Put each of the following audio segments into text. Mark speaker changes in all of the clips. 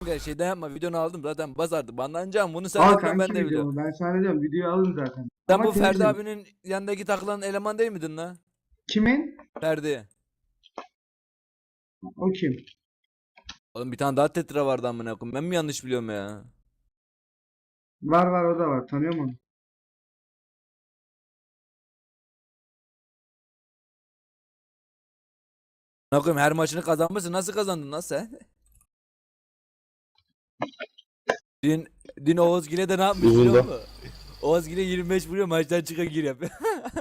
Speaker 1: Şeyden yapma, videonu aldım zaten basardı. Banlanacağım, bunu sen
Speaker 2: Al
Speaker 1: de biliyorsun, ben
Speaker 2: kanki
Speaker 1: de biliyorum.
Speaker 2: videomu. Ben sana diyorum videoyu alın zaten.
Speaker 1: Sen
Speaker 2: Ama
Speaker 1: bu Ferdi
Speaker 2: temizim.
Speaker 1: abinin yanındaki takılan eleman değil miydin la?
Speaker 2: Kimin?
Speaker 1: Ferdi.
Speaker 2: O kim?
Speaker 1: Oğlum bir tane daha tetra vardı amına koyayım. Ben mi yanlış biliyorum ya?
Speaker 2: Var var, o da var. Tanıyorum onu.
Speaker 1: Amına koyayım, her maçını kazanmışsın. Nasıl kazandın lan sen? Dün, dün Oğuzgil'e de ne yapmış biliyor
Speaker 3: Uzunda.
Speaker 1: musun? Oğuzgil'e 25 vuruyor, maçtan çıka gir yapıyor.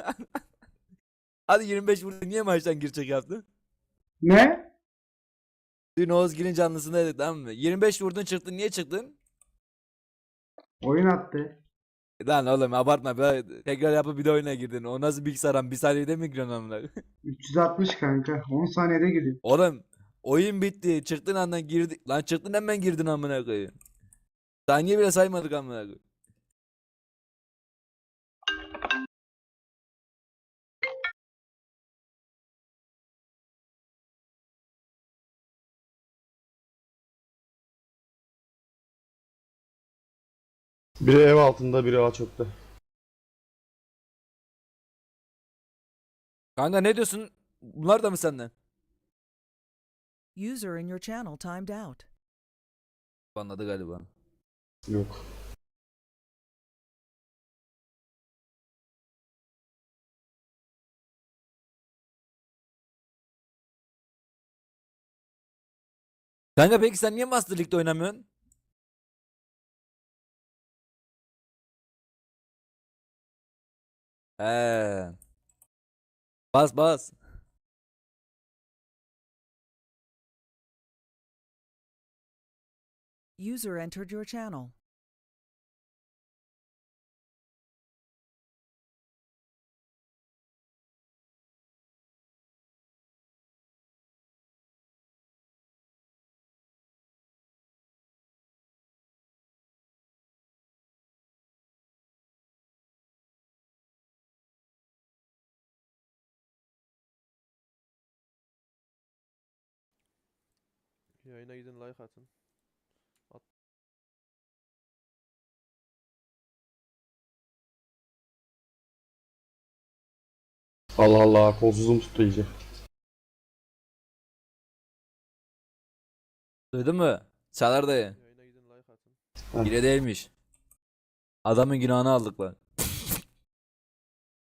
Speaker 1: Hadi 25 vurdu, niye maçtan girecek yaptın?
Speaker 2: Ne?
Speaker 1: Dün Oğuzgil'in canlısındaydık, tamam mı? 25 vurdun, çıktın, niye çıktın?
Speaker 2: Oyun attı.
Speaker 1: Lan oğlum abartma be. Tekrar yapıp bir de oyuna girdin. O nasıl bilgisayar, bir saniyede mi giriyorsun amına?
Speaker 2: 360 kanka. 10 saniyede gidiyor.
Speaker 1: Oğlum oyun bitti. Çıktın andan girdik. Lan çıktın hemen girdin amına koyayım. Saniye bile saymadık amına koyayım.
Speaker 3: Biri ev altında, biri Ağaçok'ta.
Speaker 1: Kanka ne diyorsun? Bunlar da mı senden?
Speaker 4: User in your channel timed out.
Speaker 1: Anladı galiba.
Speaker 3: Yok.
Speaker 1: Kanka peki sen niye Master League'de oynamıyorsun? He. Bas bas.
Speaker 4: User entered your channel.
Speaker 5: Yayına gidin, like atın.
Speaker 3: Allah Allah, kolsuzum tuttu iyice.
Speaker 1: Duydun mu? Çağlar dayı.
Speaker 5: Yayına gidin, like atın.
Speaker 3: Heh.
Speaker 1: Hile değilmiş. Adamın günahını aldık lan.